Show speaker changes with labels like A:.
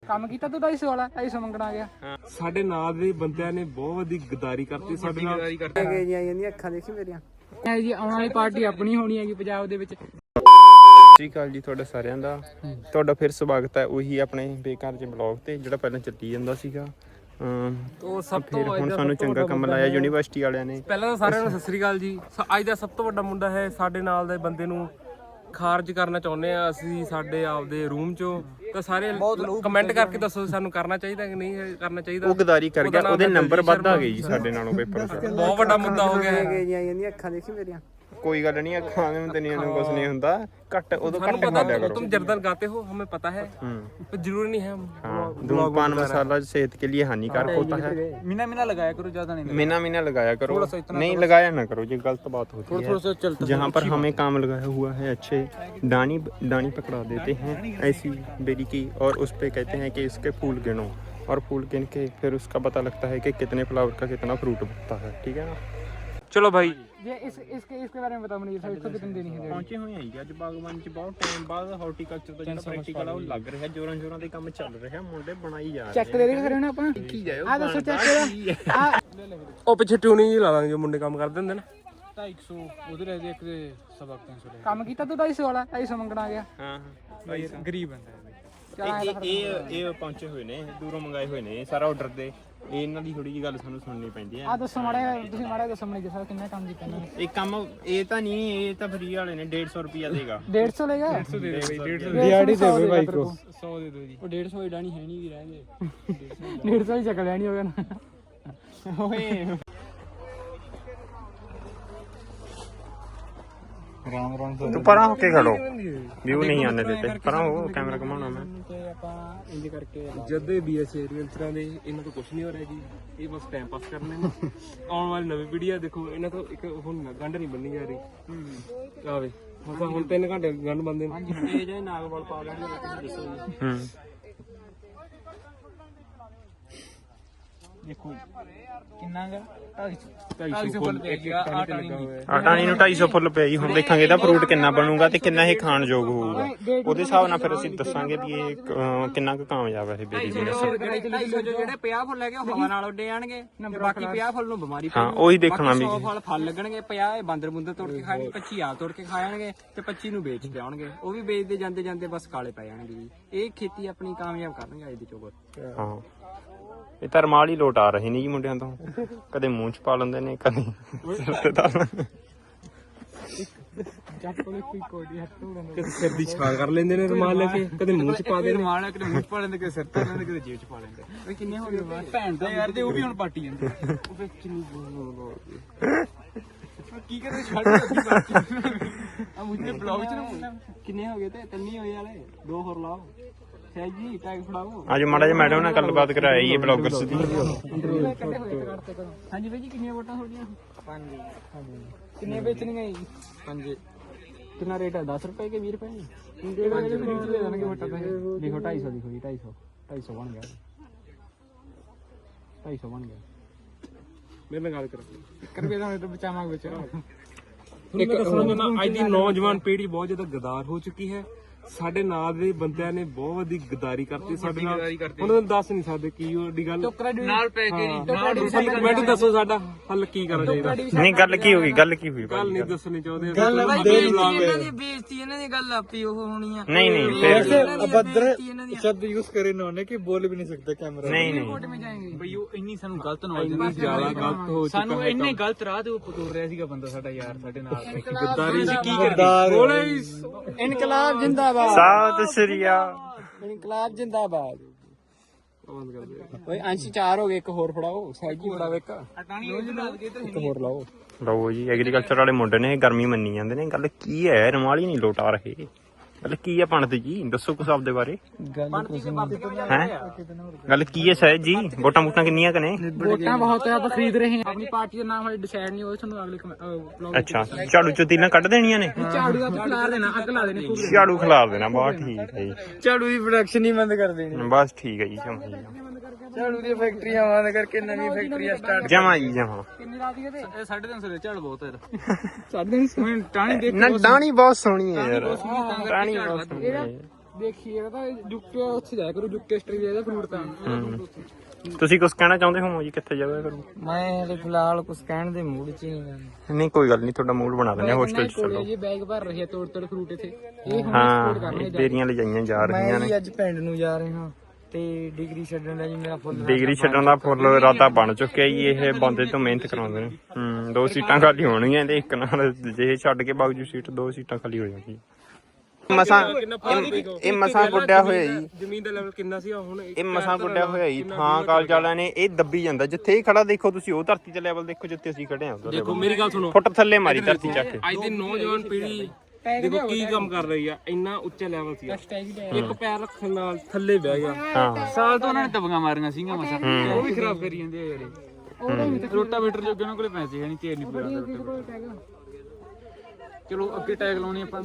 A: ਕੰਮ ਕੀਤਾ ਤੂੰ 250 ਵਾਲਾ 250 ਮੰਗਣ ਆ ਗਿਆ।
B: ਸਾਡੇ ਨਾਲ ਦੇ ਬੰਦਿਆਂ ਨੇ ਬਹੁਤ ਵੱਡੀ ਗਦਾਰੀ ਕਰਤੀ ਸਾਡੇ ਨਾਲ।
A: ਗਏ ਜੀ ਜਾਂਦੀਆਂ ਅੱਖਾਂ ਦੇਖੀ ਮੇਰੀਆਂ ਜੀ। ਆਉਣ ਵਾਲੀ ਪਾਰਟੀ ਆਪਣੀ ਹੋਣੀ ਹੈਗੀ ਪੰਜਾਬ ਦੇ ਵਿੱਚ।
C: ਸਤਿ ਸ਼੍ਰੀ ਅਕਾਲ ਜੀ ਤੁਹਾਡਾ ਸਾਰਿਆਂ ਦਾ। ਤੁਹਾਡਾ ਫਿਰ ਸਵਾਗਤ ਹੈ ਉਹੀ ਆਪਣੇ ਬੇਕਾਰ ਜਿਹੇ ਬਲੌਗ ਤੇ ਜਿਹੜਾ ਪਹਿਲਾਂ ਚੱਲੀ ਜਾਂਦਾ ਸੀਗਾ।
B: ਉਹ ਸਭ ਤੋਂ
C: ਹੁਣ ਸਾਨੂੰ ਚੰਗਾ ਕੰਮ ਲਾਇਆ ਯੂਨੀਵਰਸਿਟੀ ਵਾਲਿਆਂ ਨੇ।
B: ਪਹਿਲਾਂ ਤਾਂ ਸਾਰਿਆਂ ਨੂੰ ਸਤਿ ਸ੍ਰੀ ਅਕਾਲ ਜੀ। ਅੱਜ ਦਾ ਸਭ ਤੋਂ ਵੱਡਾ ਮੁੰਡਾ ਹੈ ਸਾਡੇ ਨਾਲ ਦੇ ਬੰਦੇ ਨੂੰ ਖਾਰਜ ਕਰਨਾ ਚਾਹੁੰਦੇ ਆ ਅਸੀਂ ਸਾਡੇ ਆਪਦੇ ਰੂਮ ਚੋਂ। ਤਾਂ ਸਾਰੇ ਕਮੈਂਟ ਕਰਕੇ ਦੱਸੋ ਸਾਨੂੰ ਕਰਨਾ ਚਾਹੀਦਾ ਕਿ ਨਹੀਂ ਕਰਨਾ ਚਾਹੀਦਾ।
C: ਉਹ ਗਦਾਰੀ ਕਰ ਗਿਆ, ਉਹਦੇ ਨੰਬਰ ਵੱਧ ਆ ਗਏ ਜੀ ਸਾਡੇ ਨਾਲੋਂ ਪੇਪਰ 'ਚ।
B: ਬਹੁਤ ਵੱਡਾ ਮੁੱਦਾ ਹੋ ਗਿਆ ਹੈ।
A: ਗਏ ਜੀ ਜਾਂਦੀਆਂ ਅੱਖਾਂ ਦੇਖੀ ਮੇਰੀਆਂ।
C: कोई गल नहीं, ਅੱਖਾਂ में तनिया ਨੂੰ कुछ नहीं ਹੁੰਦਾ। ਘੱਟ ਉਦੋਂ ਘੱਟ ਖਾ ਲਿਆ करो।
B: तुम जर्दन गाते हो हमें पता है पर जरूरी नहीं है।
C: हाँ, धूम्रपान मसाला सेहत के लिए हानिकारक होता है।
A: मीना मीना लगाया करो, ज्यादा नहीं।
C: मीना लगाया करो, नहीं लगाया ना करो, ये गलत बात होती है। जहाँ पर हमें काम लगाया हुआ है अच्छे दानी पकड़ा देते हैं ऐसी बेरी की, और उस पे कहते हैं कि इसके फूल गिनो, और फूल गिन के फिर उसका पता लगता है कि कितने फ्लावर का कितना फ्रूट बनता है। ठीक है ना।
B: चलो भाई
A: ये इसके बारे में बताओ मुझे, इसको कितनी देनी है?
C: ਪਹੁੰਚੇ ਹੋਏ ਆਂ ਜੀ ਅੱਜ ਬਾਗਬਾਨੀ ਚ। ਬਹੁਤ ਟਾਈਮ ਬਾਅਦ ਹਾਰਟੀਕਲਚਰ ਦਾ ਜਿਹੜਾ ਪ੍ਰੈਕਟੀਕਲ ਆ ਉਹ ਲੱਗ ਰਿਹਾ, ਜੋਰਾਂ ਦੇ ਕੰਮ ਚੱਲ ਰਿਹਾ, ਮੁੰਡੇ ਬਣਾਈ ਜਾ ਰਹੇ।
A: ਚੈੱਕ ਦੇ ਦੇ ਕਰਿਓ ਨਾ ਆਪਾਂ।
C: ਕੀ ਜਾਇਓ
A: ਆ ਦੱਸੋ ਚੈੱਕ ਇਹਦਾ। ਆ
B: ਉਹ ਪਿੱਛੇ ਟਿਊਨਿੰਗ ਹੀ ਲਾ ਦਾਂਗੇ ਜੋ ਮੁੰਡੇ ਕੰਮ ਕਰਦੇ ਹੁੰਦੇ ਨਾ।
A: 250 ਉਧਰ ਹੈ ਇੱਕ ਦੇ ਸਵਾ 300 ਕੰਮ ਕੀਤਾ ਤੂੰ 250 ਵਾਲਾ 250 ਮੰਗਣ ਆ ਗਿਆ।
C: ਹਾਂ
A: ਭਾਈ ਗਰੀਬ ਬੰਦਾ ਹੈ।
C: ਇਹ ਪਹੁੰਚੇ ਹੋਏ ਨੇ, ਦੂਰੋਂ ਮੰਗਾਏ ਹੋਏ ਨੇ ਸਾਰਾ ਆਰਡਰ ਦੇ। ਇਹਨਾਂ ਦੀ ਥੋੜੀ ਜਿਹੀ ਗੱਲ ਸਾਨੂੰ ਸੁਣਨੀ ਪੈਂਦੀ ਹੈ।
A: ਆ ਦੱਸੋ ਮਾੜਾ, ਤੁਸੀਂ ਮਾੜਾ ਦੱਸੋ ਮੈਨੂੰ ਦੱਸੋ ਕਿੰਨਾ ਕੰਮ ਕੀਤਾ ਇਹਨਾਂ ਨੇ।
C: ਇਹ ਕੰਮ ਇਹ ਤਾਂ ਨਹੀਂ, ਇਹ ਤਾਂ ਫਰੀ ਵਾਲੇ ਨੇ। 150 ਰੁਪਿਆ ਦੇਗਾ।
A: 150 ਲੈਗਾ।
C: 150 ਦੇ ਦੇ ਬਈ। 150
A: ਦਿਹਾੜੀ ਦੇ ਦੇ ਭਾਈ ਕੋ।
C: 100 ਦੇ ਦੋ ਜੀ।
A: ਉਹ 150 ਹੀ ਡਾਣੀ ਹੈ ਨਹੀਂ ਵੀ ਰਹਿ ਗਏ। 150 ਹੀ ਚੱਕ ਲੈਣੀ ਹੋਗਾ ਨਾ।
C: ਓਏ
A: ਰਾਮ
C: ਤੂੰ ਪਰਾਂ ਹੋ ਕੇ ਖੜੋ, ਵਿਊ ਨਹੀਂ ਆने देते। ਪਰਾਂ ਹੋ, ਕੈਮਰਾ ਘੁਮਾਉਣਾ ਮੈਂ।
A: ਤੇ ਆਪਾਂ ਇੰਜ ਕਰਕੇ
B: ਜਦੇ ਬੀਐਸ ਏਰੀਅਲਚਰਾਂ ਦੇ ਇਹਨਾਂ ਤੋਂ ਕੁਝ ਨਹੀਂ ਹੋ ਰਿਹਾ ਜੀ। ਇਹ ਬਸ ਟਾਈਮ ਪਾਸ ਕਰਨੇ ਨੇ। ਆਉਣ ਵਾਲੀ ਨਵੀਂ ਪੀੜ੍ਹੀ ਆ ਦੇਖੋ, ਇਹਨਾਂ ਤੋਂ ਇੱਕ ਹੁਣ ਗੰਢ ਨਹੀਂ ਬੰਨੀ ਜਾ ਰਹੀ। ਆਵੇ ਹੁਣ 3 ਘੰਟੇ ਗੰਢ ਬੰਦੇ ਨੇ।
A: ਹਾਂਜੀ ਇਹ ਜਿਹੜੇ ਨਾਗਵਾਲ ਪਾ ਲੈਣਗੇ ਤੁਸੀਂ ਦੱਸੋ ਜੀ। ਦੇਖੋ ਕਿੰਨਾ ਗਾ 250 ਫੁੱਲ ਪੈ ਗਿਆ।
C: ਆਟਾਣੀ ਨੂੰ 250 ਫੁੱਲ ਪਿਆ ਜੀ। ਹੁਣ ਦੇਖਾਂਗੇ ਇਹਦਾ ਫਰੂਟ ਕਿੰਨਾ ਬਣੂਗਾ ਤੇ ਕਿੰਨਾ ਇਹ ਖਾਣਯੋਗ ਹੋਊਗਾ। ਉਹਦੇ ਹਿਸਾਬ ਨਾਲ ਫਿਰ ਅਸੀਂ ਦੱਸਾਂਗੇ ਵੀ ਇਹ ਕਿੰਨਾ ਕੁ ਕਾਮਯਾਬ ਹੈ ਇਹ ਬੇਰੀ ਬਿਜ਼ਨਸ।
A: ਜਿਹੜੇ 50 ਫੁੱਲ ਹੈਗੇ ਉਹ ਹਵਾ ਨਾਲ ਉੱਡੇ ਜਾਣਗੇ, ਬਾਕੀ 50 ਫੁੱਲ ਨੂੰ ਬਿਮਾਰੀ
C: ਹਾਂ ਉਹੀ ਦੇਖਣਾ ਵੀ।
A: 100 ਫਲ ਲੱਗਣਗੇ, 50 ਇਹ ਬਾਂਦਰ ਬੁੰਦਰ ਤੋੜ ਕੇ ਖਾਣਗੇ, 25 ਆਪ ਤੋੜ ਕੇ ਖਾ ਜਾਣਗੇ ਤੇ 25 ਨੂੰ ਵੇਚ ਕੇ ਆਉਣਗੇ। ਉਹ ਵੀ ਵੇਚਦੇ ਜਾਂਦੇ ਜਾਂਦੇ ਬਸ ਕਾਲੇ ਪੈ ਜਾਣਗੇ ਜੀ। ਇਹ ਖੇਤੀ ਆਪਣੀ ਕਾਮਯਾਬ ਕਰਨਗੇ ਅੱਜ ਦੀ ਚੋਬਰ।
C: ਹਾਂ ਇਹ ਤਾਂ ਰਮਾਲ ਹੀ ਲੋਟ ਆ ਰਹੇ ਨੇ ਜੀ ਮੁੰਡਿਆਂ ਤੋਂ। ਕਦੇ ਮੂੰਹ ਚ ਪਾ ਲੈਂਦੇ ਨੇ, ਕਦੇ
B: ਕਦੇ ਸਿਰ ਦੀ ਛਾਲ ਕਰ ਲੈਂਦੇ ਨੇ ਰੁਮਾਲ ਲੈ ਕੇ, ਕਦੇ ਮੂੰਹ 'ਚ ਪਾ ਦੇ
A: ਰੁਮਾਲ ਕਦੇ ਮੂੰਹ 'ਚ ਪਾ ਲੈਂਦੇ, ਕਦੇ ਸਿਰ ਤੇ ਲੈਂਦੇ, ਕਦੇ ਜੇਬ 'ਚ ਪਾ ਲੈਂਦੇ। ਓਏ ਕਿੰਨੇ ਹੋ ਗਏ ਭੈਣ ਦਾ ਯਾਰ, ਤੇ ਉਹ ਵੀ ਹੁਣ ਪਾਟੀ ਜਾਂਦੇ। ਉਹ ਫੇ ਕਿੰਨੀ ਕੀ ਕਰੇ ਛੱਡ ਅੱਧੀ ਪਾਟੀ ਆ ਮੁੰਡੇ ਬਲੌਗ 'ਚ ਕਿੰਨੇ ਹੋ ਗਏ? ਤੇ 3 ਹੀ ਹੋਏ ਵਾਲੇ, 2 ਹੋਰ ਲਾਓ। ਜੀ ਟੈਗ ਫੜਾਓ।
C: ਅੱਜ ਮਾੜਾ ਜਿਹਾ ਮੈਡਮ ਨਾਲ ਗੱਲਬਾਤ ਕਰਾਈ ਇਹ ਬਲੌਗਰਸ ਦੀ।
A: ਹਾਂਜੀ ਬਾਈ ਜੀ ਕਿੰਨੀਆਂ ਵੋਟਾਂ ਤੁਹਾਡੀਆਂ? 5। ਕਿੰਨੀਆਂ ਵੇਚਣੀਆਂ ਜੀ? 5। ਕਿੰਨਾ ਰੇਟ ਹੈ? 10 ਰੁਪਏ ਕੇ 20 ਰੁਪਏ? ਦੇ ਦੇਣਗੇ ਵੋਟਾਂ ਪੈਸੇ। ਲਿਖੋ 250 ਲਿਖੋ ਜੀ। 250 ਬਣ ਗਿਆ। 250 ਬਣ ਗਿਆ।
B: ਮੇਰੇ ਨਾਲ ਗੱਲ ਕਰੋ।
A: 1 ਰੁਪਏ ਦਾ ਬਚਾਵਾਂਗੇ ਵਿੱਚ।
B: ਇੱਕ ਅੱਜ ਦੀ ਨੌਜਵਾਨ ਪੀੜ੍ਹੀ ਬਹੁਤ ਜ਼ਿਆਦਾ ਗਦਾਰ ਹੋ ਚੁੱਕੀ ਹੈ। ਸਾਡੇ ਨਾਲ ਦੇ ਬੰਦਿਆਂ ਨੇ ਬਹੁਤ ਵੱਡੀ ਗਦਾਰੀ ਕਰਤੀ ਸਾਡੇ ਨਾਲ। ਉਹਨਾਂ ਨੂੰ ਦੱਸ ਨਹੀਂ ਸਕਦੇ ਕੀ ਉਹਦੀ ਗੱਲ
A: ਨਾਲ ਪੈ ਕੇ
B: ਮੈਨੂੰ ਦੱਸੋ ਸਾਡਾ ਹੱਲ ਕੀ ਕਰਨਾ ਚਾਹੀਦਾ।
C: ਨਹੀਂ ਗੱਲ ਕੀ ਹੋਈ? ਗੱਲ ਕੀ ਹੋਈ?
B: ਗੱਲ ਨਹੀਂ ਦੱਸਣੀ ਚਾਹੁੰਦੇ।
A: ਇਹਨਾਂ ਦੀ ਬੇਇੱਜ਼ਤੀ, ਇਹਨਾਂ ਦੀ ਗੱਲ ਆਪੀ ਉਹ ਹੋਣੀ ਆ।
C: ਨਹੀਂ ਫਿਰ
A: ਅਭद्र शब्द यूज करे इन्होंने कि बोल भी नहीं सकते कैमरा।
C: नहीं
A: कोर्ट में जाएंगे भाई। ਉਹ ਇੰਨੀ ਸਾਨੂੰ ਗਲਤ
B: ਇੰਨੀ ਜ਼ਿਆਦਾ ਗਲਤ ਹੋ ਚੁੱਕਾ
A: ਸਾਨੂੰ ਇੰਨੇ ਗਲਤ ਰਾਹ ਤੇ ਉਹ ਤੁਰ ਰਿਹਾ ਸੀਗਾ ਬੰਦਾ ਸਾਡਾ ਯਾਰ ਸਾਡੇ ਨਾਲ।
B: ਗਦਾਰੀ
A: ਕੀ ਕਰਦੇ? ਇਨਕਲਾਬ ਜਿੰਦਾਬਾਦ।
C: ਸਤਿ ਸ਼੍ਰੀ ਅਕਾਲ।
A: ਇਨਕਲਾਬ ਜਿੰਦਾਬਾਦ। ਓਏ ਅੰਸ਼ 4 ਹੋ ਗਏ, ਇੱਕ ਹੋਰ ਫੜਾਓ। ਸਾਈਕੀ ਫੜਾਓ ਇੱਕ ਹੋਰ ਲਾਓ।
C: ਲਓ ਜੀ ਐਗਰੀਕਲਚਰ ਵਾਲੇ ਮੁੰਡੇ ਨੇ ਗਰਮੀ ਮੰਨੀ ਜਾਂਦੇ ਨੇ। ਗੱਲ ਕੀ ਹੈ? ਰਮਾਲ ਹੀ ਨਹੀਂ ਲੋਟ ਆ ਰਹੇ। ਗੱਲ ਕੀ ਹੈ ਪੰਡਤ ਜੀ? ਦੱਸੋ ਕੁਛ ਆਪਦੇ ਬਾਰੇ। ਹੈ ਗੱਲ ਕੀ ਹੈ ਸਹਿਜ ਜੀ? ਵੋਟਾਂ ਵੋਟਾਂ ਕਿੰਨੀਆਂ ਕਨੇ?
A: ਵੋਟਾਂ ਬਹੁਤ ਹੈ, ਆਪਾਂ ਖਰੀਦ ਰਹੇ ਹਾਂ। ਆਪਣੀ ਪਾਰਟੀ ਦਾ ਨਾਮ ਹਜੇ ਡਿਸਾਈਡ ਨਹੀਂ ਹੋਇਆ, ਤੁਹਾਨੂੰ ਅਗਲੇ ਵਲੌਗ
C: ਅੱਛਾ ਝਾੜੂ ਚੋਤੀਲਾਂ ਕੱਢ ਦੇਣੀਆਂ ਨੇ?
A: ਝਾੜੂ ਦਾ ਖਿਲਾਰ ਦੇਣਾ, ਅੱਗ ਲਾ ਦੇਣੀ।
C: ਝਾੜੂ ਖਿਲਾਰ ਦੇਣਾ। ਬਹੁਤ ਠੀਕ ਹੈ ਜੀ।
A: ਝਾੜੂ ਦੀ ਪ੍ਰੋਡਕਸ਼ਨ ਹੀ ਬੰਦ ਕਰ ਦੇਣੀ।
C: ਬਸ ਠੀਕ ਹੈ ਜੀ।
A: ਝਾੜੂ ਦੀ ਫੈਕਟਰੀਆਂ ਬੰਦ ਕਰਕੇ ਨਵੀਂ ਫੈਕਟਰੀਆਂ ਸਟਾਰਟ।
C: ਜਮਾ ਜੀ ਜਮਾ।
A: ਕਿੰਨੀ ਰਾਤੀ ਇਹਦੇ? 350 ਦੇ ਝਾੜ ਬਹੁਤ ਹੈ। 350 ਟਾਣੀ ਦੇਖ
C: ਨਾ ਡਾਣੀ ਬਹੁਤ ਸੋਹਣੀ ਹੈ ਯਾਰ। ਡਾਣੀ ਬਹੁਤ ਸੋਹਣੀ ਹੈ।
A: ਦੇਖੀਏ ਤਾਂ ਜੁੱਕੇ ਉੱਥੇ ਜਾਇਆ ਕਰੂ ਜੁੱਕੇ ਆਸਟ੍ਰੇਲੀਆ ਦਾ ਫਰੂਟ ਤਾਂ
C: ਤੁਸੀਂ ਕੁਝ ਕਹਿਣਾ ਚਾਹੁੰਦੇ ਹੋ ਜੀ ਕਿੱਥੇ ਜਾਇਆ ਕਰੂ?
A: ਮੈਂ ਹਲੇ ਫਿਲਹਾਲ ਕੁਝ ਕਹਿਣ ਦੇ ਮੂਡ 'ਚ ਨਹੀਂ ਗਾ।
C: ਨਹੀਂ ਕੋਈ ਗੱਲ ਨਹੀਂ, ਤੁਹਾਡਾ ਮੂਡ ਬਣਾ ਦਿੰਦੇ ਹੋਸਟਲ ਚ ਚੱਲੋ।
A: ਇਹ ਬੈਗ ਭਰ ਰਹੀ ਹੈ ਤੋੜ ਫਰੂਟ ਇੱਥੇ ਇਹ ਹੁਣ
C: ਹਾਂ ਬੇਰੀਆਂ ਲਿਜਾਈਆਂ ਜਾ ਰਹੀਆਂ ਨੇ।
A: ਅੱਜ ਪਿੰਡ ਨੂੰ ਜਾ ਰਹੇ ਹਾਂ ਤੇ ਡਿਗਰੀ ਛੱਡਣ ਦਾ ਜੀ ਮੇਰਾ ਫੁੱਲ
C: ਡਿਗਰੀ ਛੱਡਣ ਦਾ ਫੁੱਲ ਇਰਾਦਾ ਬਣ ਚੁੱਕਿਆ ਜੀ। ਇਹ ਬੰਦੇ ਤੋਂ ਮਿਹਨਤ ਕਰਾਉਂਦੇ ਨੇ। 2 ਸੀਟਾਂ ਖਾਲੀ ਹੋਣਗੀਆਂ ਤੇ ਇੱਕ ਨਾਲ ਜੇ ਛੱਡ ਕੇ ਬਾਗਜੂ ਸੀਟ 2 ਸੀਟਾਂ ਖਾਲੀ ਹੋ ਜਾਣਗੀਆਂ। ਮਸਾਂ ਇਹ ਮਸਾਂ ਗੁੱਡਿਆ ਹੋਇਆ ਜੀ।
B: ਜ਼ਮੀਨ ਦਾ ਲੈਵਲ ਕਿੰਨਾ ਸੀ ਹੁਣ?
C: ਇਹ ਮਸਾਂ ਗੁੱਡਿਆ ਹੋਇਆ ਜੀ। ਥਾਂ ਕਾਲਜ ਵਾਲਿਆਂ ਨੇ ਇਹ ਦੱਬੀ ਜਾਂਦਾ। ਜਿੱਥੇ ਇਹ ਖੜਾ ਦੇਖੋ ਤੁਸੀਂ ਉਹ ਧਰਤੀ ਤੇ ਲੈਵਲ ਦੇਖੋ ਜਿੱਥੇ ਅਸੀਂ ਖੜੇ ਹਾਂ।
B: ਦੇਖੋ ਮੇਰੀ ਗੱਲ ਸੁਣੋ,
C: ਫੁੱਟ ਥੱਲੇ ਮਾਰੀ ਧਰਤੀ ਚੱਕ ਕੇ।
B: ਅੱਜ ਦੀ ਨੌਜਵਾਨ ਪੀੜ੍ਹੀ ਦੇਖੋ ਕੀ ਕੰਮ ਕਰ ਰਹੀ ਆ। ਇੰਨਾ ਉੱਚਾ ਲੈਵਲ ਸੀ, ਇੱਕ ਪੈਰ ਰੱਖਣ ਨਾਲ ਥੱਲੇ ਬਹਿ ਗਿਆ।
C: ਹਾਂ
A: ਸਾਲ ਤੋਂ ਉਹਨਾਂ ਨੇ ਤਬੀਆਂ ਮਾਰੀਆਂ ਸੀਗੀਆਂ ਮਸਾ ਉਹ ਵੀ ਖਰਾਬ ਕਰੀ ਜਾਂਦੇ ਆ ਜਿਹੜੇ ਰੋਟਾਵੇਟਰ ਜੋਗੇ ਉਹਨਾਂ ਕੋਲੇ ਪੈਸੇ ਹੈ ਨਹੀਂ ਤੇਲ ਨਹੀਂ ਪੂਰਾ। ਚਲੋ ਅੱਗੇ ਟੈਗ ਲਾਉਣੀ ਆਪਾਂ।